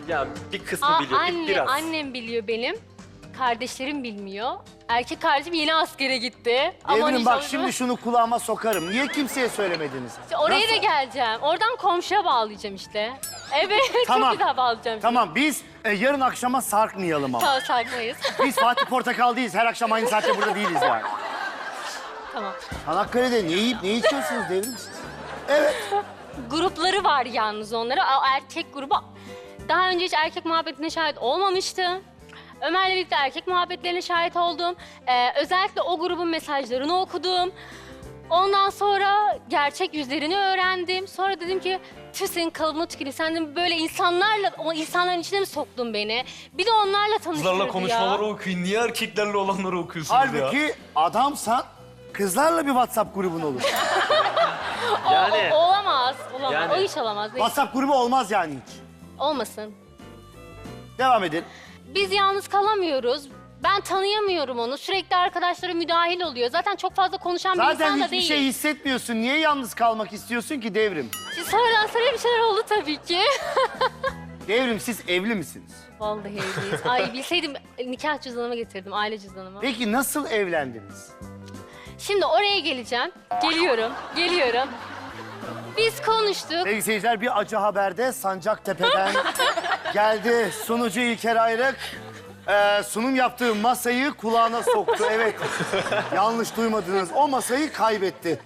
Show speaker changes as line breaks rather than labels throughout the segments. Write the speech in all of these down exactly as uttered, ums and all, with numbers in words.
Ya bir kısmı
Aa,
biliyor, bir-
anne,
biraz.
annem biliyor benim. Kardeşlerim bilmiyor. Erkek kardeşim yeni askere gitti. Aman
Devrim bak
inşallah-
şimdi şunu kulağıma sokarım. Niye kimseye söylemediniz?
İşte oraya
Nasıl?
da geleceğim. Oradan komşuya bağlayacağım işte. Evet,
Tamam.
çok güzel bağlayacağım.
Tamam biz e, yarın akşama sarkmayalım ama.
Tamam, saklamayız.
Biz Fatih Portakal değiliz. Her akşam aynı saatte burada değiliz yani.
Tamam.
Çanakkale'de ne yiyip ne içiyorsunuz Devrim siz? Evet.
Grupları var yalnız onlara. O erkek grubu daha önce hiç erkek muhabbetine şahit olmamıştı. Ömer'le birlikte erkek muhabbetlerine şahit oldum. Ee, özellikle o grubun mesajlarını okudum. Ondan sonra gerçek yüzlerini öğrendim. Sonra dedim ki tüh senin kalıbına tüküreyim. Sen de böyle insanlarla, o insanların içine mi soktun beni? Bir de onlarla tanıştırdı
Kızlarla
ya.
konuşmaları okuyun. Niye erkeklerle olanları okuyorsunuz ya?
Halbuki adamsan kızlarla bir WhatsApp grubun olur.
O,
Yani-
o- olamaz. Olamaz.
Yani-
O iş olamaz.
WhatsApp grubu olmaz yani hiç.
Olmasın.
Devam edin.
Biz yalnız kalamıyoruz. Ben tanıyamıyorum onu. Sürekli arkadaşları müdahil oluyor. Zaten çok fazla konuşan bir
Zaten
insan da
hiçbir
değil.
şey hissetmiyorsun. Niye yalnız kalmak istiyorsun ki Devrim?
Şimdi sonradan sonra bir şeyler oldu tabii ki.
Devrim siz evli misiniz?
Vallahi evliyiz. Ay bilseydim nikah cüzdanımı getirdim, aile cüzdanımı.
Peki nasıl evlendiniz?
Şimdi oraya geleceğim. Geliyorum, geliyorum. Biz konuştuk.
Sevgili seyirciler bir acı haberde Sancaktepe'den geldi sunucu İlker Ayrık. Ee, sunum yaptığı masayı kulağına soktu. Evet, yanlış duymadınız. O masayı kaybetti.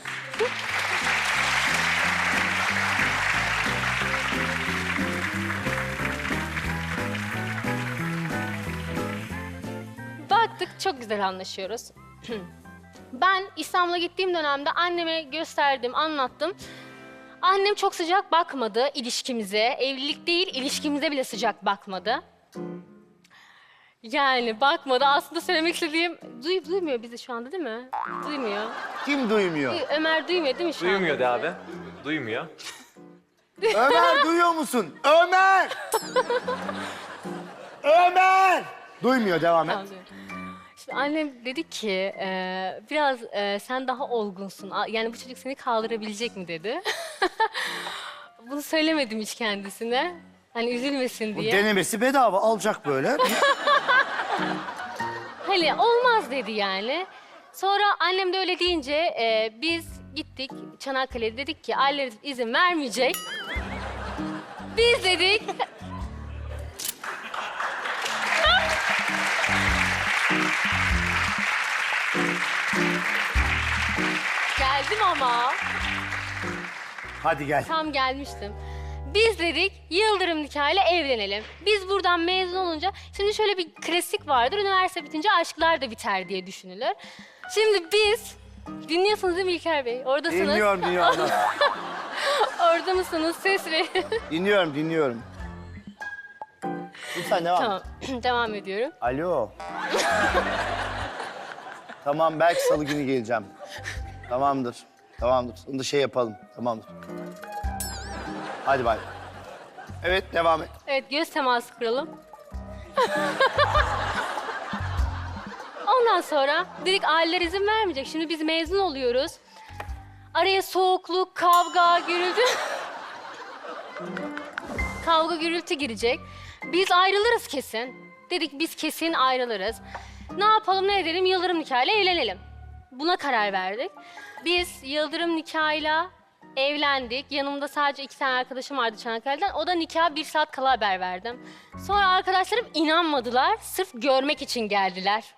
Baktık çok güzel anlaşıyoruz. Ben İstanbul'a gittiğim dönemde anneme gösterdim, anlattım. Annem çok sıcak bakmadı ilişkimize. Evlilik değil, ilişkimize bile sıcak bakmadı. Yani bakmadı. Aslında söylemek istediğim... Duy, duymuyor bizi şu anda değil mi? Duymuyor.
Kim duymuyor?
Duy- Ömer duymuyor değil mi şu
Duymuyor de
anda
abi. Duymuyor.
Ömer duyuyor musun? Ömer! Ömer! Duymuyor, devam et.
Tamam, duyuyor. Şimdi annem dedi ki, e, biraz e, sen daha olgunsun. A- Yani bu çocuk seni kaldırabilecek mi dedi. Bunu söylemedim hiç kendisine. Hani üzülmesin
Bu
diye.
denemesi bedava, alacak böyle.
Hani olmaz dedi yani. Sonra annem de öyle deyince e, biz gittik Çanakkale'de, dedik ki ailelerimiz izin vermeyecek. Biz dedik... Geldim ama.
Hadi gel.
Tam gelmiştim. Biz dedik Yıldırım nikahıyla evlenelim. Biz buradan mezun olunca, şimdi şöyle bir klasik vardır. Üniversite bitince aşklar da biter diye düşünülür. Şimdi biz, dinliyorsunuz değil mi İlker Bey? Oradasınız.
Dinliyorum, dinliyorum.
Orada mısınız? Ses verin.
Dinliyorum, dinliyorum. Lütfen devam et.
Tamam, devam ediyorum.
Alo. Tamam, belki salı günü geleceğim. Tamamdır, tamamdır. Onu da şey yapalım, tamamdır. Hadi bay. Evet, devam et.
Evet, göz teması kuralım. Ondan sonra dedik aileler izin vermeyecek. Şimdi biz mezun oluyoruz. Araya soğukluk, kavga, gürültü... kavga, gürültü girecek. Biz ayrılırız kesin. Dedik biz kesin ayrılırız. Ne yapalım, ne edelim? Yıldırım nikahıyla evlenelim. Buna karar verdik. Biz Yıldırım nikahıyla evlendik. Yanımda sadece iki tane arkadaşım vardı Çanakkale'den. O da nikaha bir saat kala haber verdim. Sonra arkadaşlarım inanmadılar. Sırf görmek için geldiler.